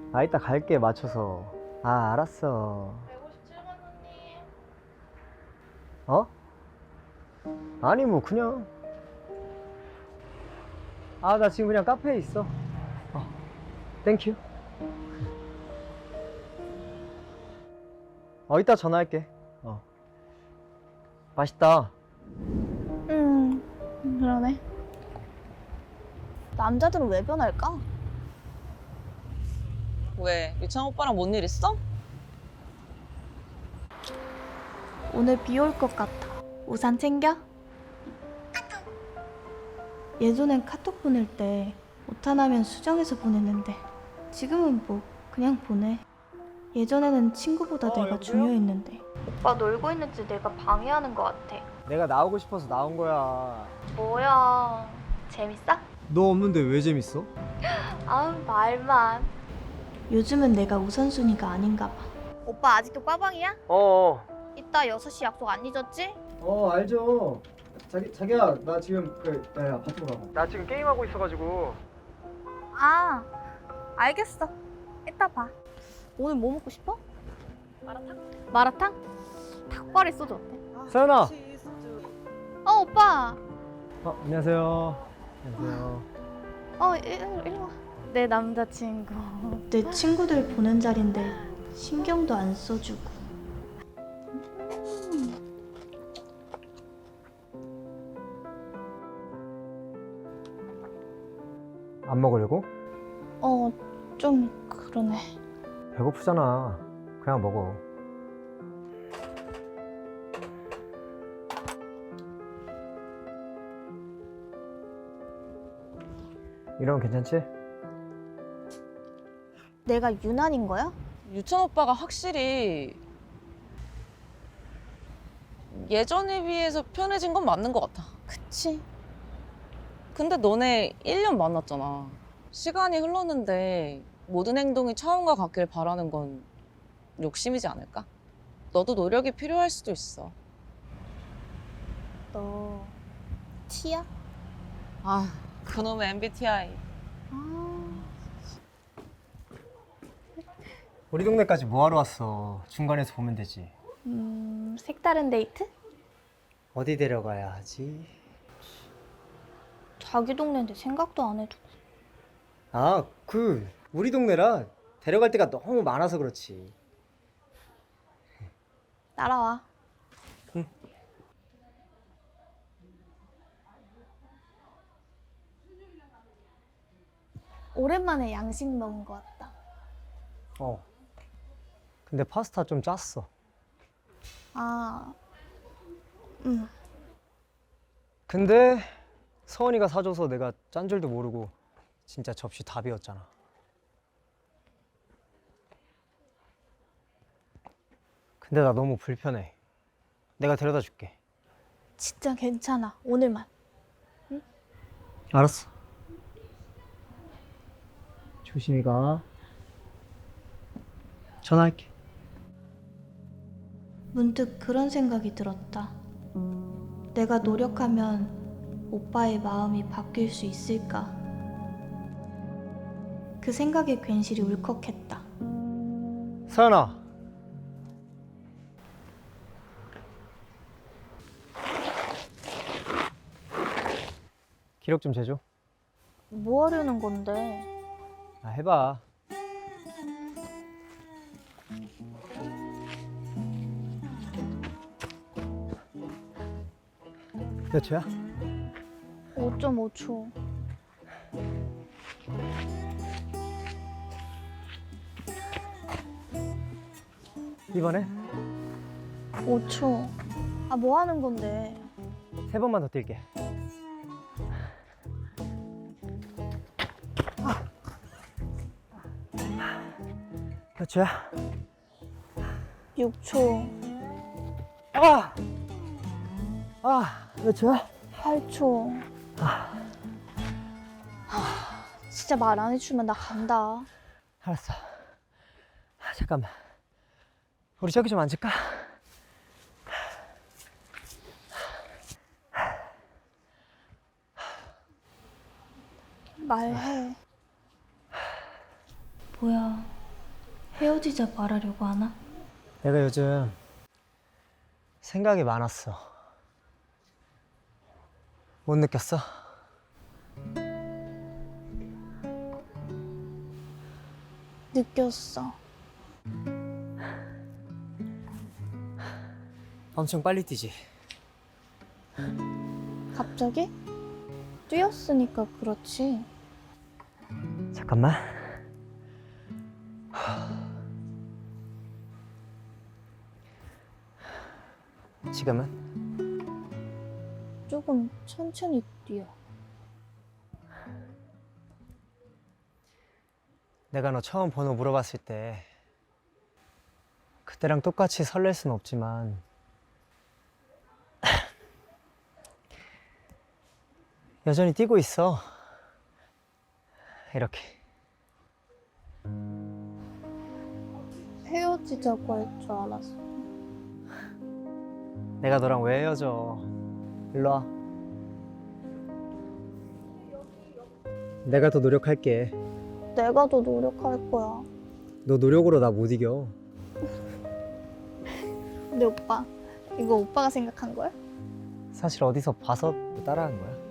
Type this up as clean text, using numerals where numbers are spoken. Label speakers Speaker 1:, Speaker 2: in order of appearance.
Speaker 1: 아, 이따 갈게, 맞춰서. 아, 알았어.
Speaker 2: 157번 손님.
Speaker 1: 어? 아니, 뭐, 그냥. 아, 나 지금 그냥 카페에 있어. 땡큐. 이따 전화할게. 맛있다.
Speaker 2: 그러네. 남자들은 왜 변할까?
Speaker 3: 왜? 유창 오빠랑 뭔 일 있어?
Speaker 2: 오늘 비 올 것 같아. 우산 챙겨? 예전엔 카톡 보낼 때 오타나면 수정해서 보냈는데 지금은 뭐 그냥 보내. 예전에는 친구보다 내가
Speaker 1: 여보세요?
Speaker 2: 중요했는데 오빠 놀고 있는지 내가 방해하는 것 같아.
Speaker 1: 내가 나오고 싶어서 나온 거야.
Speaker 2: 뭐야, 재밌어?
Speaker 1: 너 없는데 왜 재밌어?
Speaker 2: 아우, 말만. 요즘은 내가 우선순위가 아닌가 봐. 오빠 아직도 빠방이야? 이따 6시 약속 안 잊었지?
Speaker 1: 알죠. 자기야, 나 지금 야, 아파트로 가봐. 나 지금 게임하고 있어가지고.
Speaker 2: 아, 알겠어. 이따 봐. 오늘 뭐 먹고 싶어? 마라탕? 마라탕? 닭발에 소주 어때?
Speaker 1: 서연아.
Speaker 2: 오빠.
Speaker 1: 안녕하세요. 안녕하세요.
Speaker 2: 일로 와. 내 남자친구. 내 친구들 보는 자리인데 신경도 안 써주고.
Speaker 1: 안 먹으려고?
Speaker 2: 좀 그러네.
Speaker 1: 배고프잖아. 그냥 먹어. 이러면 괜찮지?
Speaker 2: 내가 유난인 거야?
Speaker 3: 유찬 오빠가 확실히 예전에 비해서 편해진 건 맞는 것 같아.
Speaker 2: 그치.
Speaker 3: 근데 너네 1년 만났잖아. 시간이 흘렀는데 모든 행동이 처음과 같길 바라는 건 욕심이지 않을까? 너도 노력이 필요할 수도 있어.
Speaker 2: 너 T야?
Speaker 3: 아, 그놈의 MBTI.
Speaker 1: 우리 동네까지 뭐하러 왔어? 중간에서 보면 되지.
Speaker 2: 색다른 데이트?
Speaker 1: 어디 데려가야 하지?
Speaker 2: 자기 동네인데 생각도 안 해두고.
Speaker 1: 우리 동네라 데려갈 데가 너무 많아서 그렇지.
Speaker 2: 따라와.
Speaker 1: 응.
Speaker 2: 오랜만에 양식 먹은 것 같다.
Speaker 1: 근데 파스타 좀 짰어. 근데 서원이가 사줘서 내가 짠 줄도 모르고 진짜 접시 다 비웠잖아. 근데 나 너무 불편해. 내가 데려다 줄게.
Speaker 2: 진짜 괜찮아. 오늘만.
Speaker 1: 알았어. 조심히 가. 전화할게.
Speaker 2: 문득 그런 생각이 들었다. 내가 노력하면 오빠의 마음이 바뀔 수 있을까? 그 생각에 괜시리 울컥했다.
Speaker 1: 서연아. 기록 좀 재줘.
Speaker 2: 뭐 하려는 건데?
Speaker 1: 해봐. 몇 초야?
Speaker 2: 5.5초.
Speaker 1: 이번에
Speaker 2: 5초. 뭐 하는 건데?
Speaker 1: 3번만 더 뛸게. 몇 초야?
Speaker 2: 6초.
Speaker 1: 몇 초야?
Speaker 2: 8초. 진짜 말 안 해주면 나 간다.
Speaker 1: 알았어. 잠깐만. 우리 저기 좀 앉을까?
Speaker 2: 말해. 뭐야. 헤어지자 말하려고 하나?
Speaker 1: 내가 요즘 생각이 많았어. 못 느꼈어?
Speaker 2: 느꼈어.
Speaker 1: 엄청 빨리 뛰지.
Speaker 2: 갑자기? 뛰었으니까 그렇지.
Speaker 1: 잠깐만. 지금은?
Speaker 2: 조금 천천히 뛰어.
Speaker 1: 내가 너 처음 번호 물어봤을 때 그때랑 똑같이 설렐 순 없지만 여전히 뛰고 있어. 이렇게.
Speaker 2: 헤어지자고 할 줄 알았어.
Speaker 1: 내가 너랑 왜 헤어져? 일로 와. 내가 더 노력할게.
Speaker 2: 내가 더 노력할 거야.
Speaker 1: 너 노력으로 나 못 이겨.
Speaker 2: 근데 오빠, 이거 오빠가 생각한 거야?
Speaker 1: 사실 어디서 봐서 따라한 거야.